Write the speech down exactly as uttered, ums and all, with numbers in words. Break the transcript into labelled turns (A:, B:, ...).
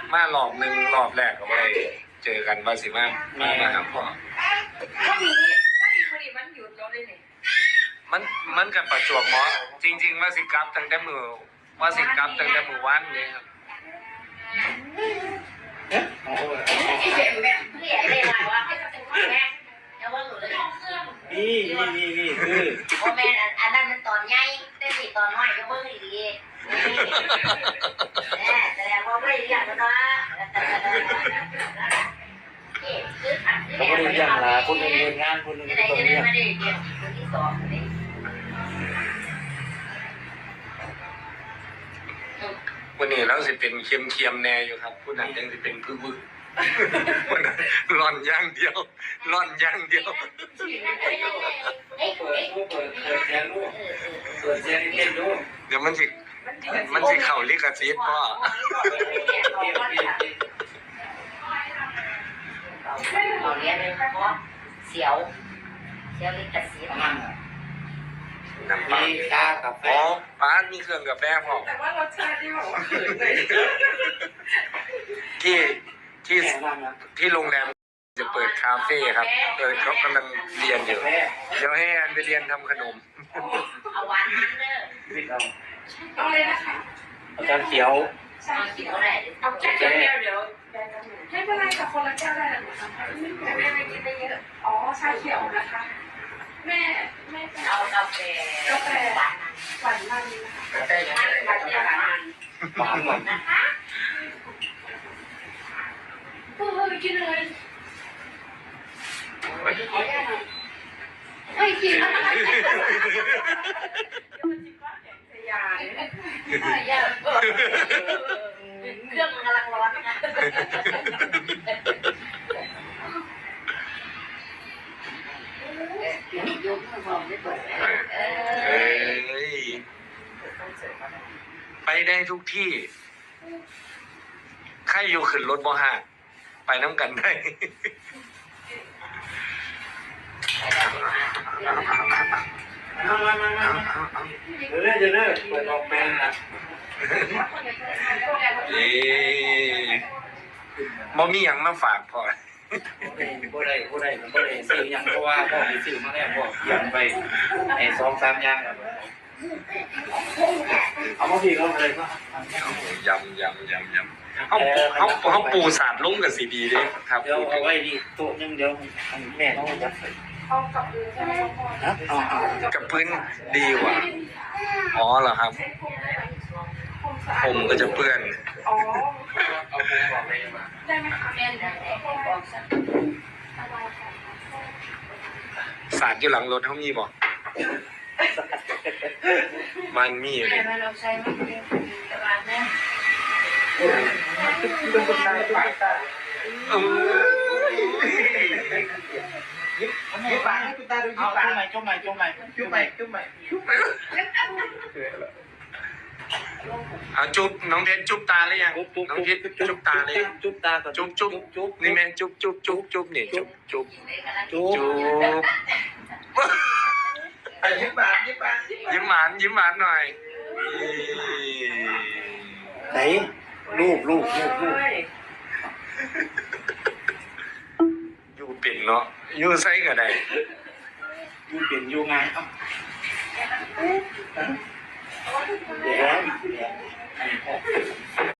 A: มารอบหนึ่งรอบแรกก็ไปเจอกันว่าสิมามามาหาพ่อ
B: วันนี้วันนี้วันนี้มันหยุดเราได้เนี่ย
A: มันมันกับประจวบเหมาะจริงๆว่าสิกลับตั้งแต่มือว่าสิกลับตั้งแต่มือวันนี้ครับ
B: ที่เด็กแม่ที่เด็กเลยว่าให้เป็นพ่อแม่แล้วว่าหนูเลย
C: นี่นี่นี่นี่คือ
B: พ่อแม่อันนั้นมันตอนใหญ่แต่สิตอนน้อยก็เบิ่งดีแม่แสดงว่าไม่เรียกแล้วนะ
C: เขาไม่ได้ยังละคนหนึ่งเรียนงานคนหนึ่งต้องเรียน
B: คนที่สองนี่
A: วันนี้เราสิเป็นเคียมเคียมแน่อยู่ครับผู้นั้นยังสิเป็นพึ่งพึ่งวันนั้นร่อนย่างเดียวร่อนย่างเดียว
C: เปิดลูกเปิดเปิดแชร์ลูกเปิดแชร์เล่นลูก
A: เดี๋ยวมันสิมันสิเข่าลิขสิทธิ์พ่อ
B: เราเรียนเลยเพราะเสียวเสียวลิขสิทธิ์
A: น้ำปลา
C: ชากาแฟ
A: อ๋อป้ามีเครื่องกาแฟพอ
B: แต่ว่ารสชาติที่บอกว่าเขินเลย
A: ที่ที่ที่โรงแรมจะเปิดคาเฟ่ครับเออเขากำลังเรียนอยู่เดี๋ยวให้อันไปเรียนทำขนม
B: เอาหวานมันเด้อเอาเลยนะคะ
C: เอาชาเขียว
B: ชาเขียวแหละเอาแค่เดียวเดี๋ยวไม่เป็นไรกับคนละแก้วได้หรือเปล่าแต่แม่ไม่กินได้เยอะอ๋อชาเขียวนะคะแม่แม่เอากาแฟกาแฟหวานหวานมันนะคะกาแฟหวานหวานหวาน
C: หวานหวาน
B: นะคะโอ้ยกินเลยไม่กินอะไรยาเนี่ยยาเครื่องมันกำลังร้อนนะยกมือมองไม่เปิด
A: เอ้ยไปได้ทุกที่ใครอยู่ขึ้นรถบ่ห่างไปน้ำกันได้
C: มามามามาเดี๋ยวเรื่อยเดี๋ยวเรื่อยเปิดออกแปลงนะ
A: เอ๊ะบ่มีหยังมาฝากพ่อ
C: บ่ได้บ่ได้บ่ได้ซื้อหยังเพราะว่าพ่อไปซื้อมาแล้วพ่อเขียนไปไอ้สองสามอย่างแล้วเอามาพี่เขาเลยก็
A: ยำยำยำยำเขาเขาเขาปูสาดลุ้งกับสีดีเลยครับ
C: เดี๋ยวเอาไว้ดีโต๊ะนึงเดี๋ยวแม่ต้องจัดใส่
B: เอากับพื้นใช่ไหมพ่อ
A: กับพื้นดีกว่าอ๋อเหรอครับผมก็จะเปื้อน
B: อ๋อเอาปูบอกเลยมาได้ไหมคะแม่ได้บอกสัก
A: สาดอยู่หลังรถเขามีบอกมันมี
B: เล
A: ย
B: เราใช้ไม่ได้ตลาดนะ
C: เป็นคนตายปากตายิบยิบปากให้คุณตาดูยิบปากจุ๊บใหม่จุ๊บใหม่จุ๊บใหม่จุ๊บใหม่จุ๊บใหม่
A: เอาจุ๊บน้องเพชรจุ๊บตาหรือยังน้องเพชรจุ๊บตาเลย
C: จุ๊บตาก่อน
A: จุ๊บจุ๊บจุ๊บนี่แม่จุ๊บจุ๊บจุ๊บจุ๊บนี่จุ๊บจุ๊บจุ๊บ
C: ยิ้มหวานยิ้มหวาน
A: ยิ้มหวานยิ้มหวานหน่อย
C: ไหนรูปรูปรูปรูป
A: อยู่เป็นเนาะอยู่ไซก็ได้
C: อยู่เป็นอยู่ไงเอ้าเดี๋ยว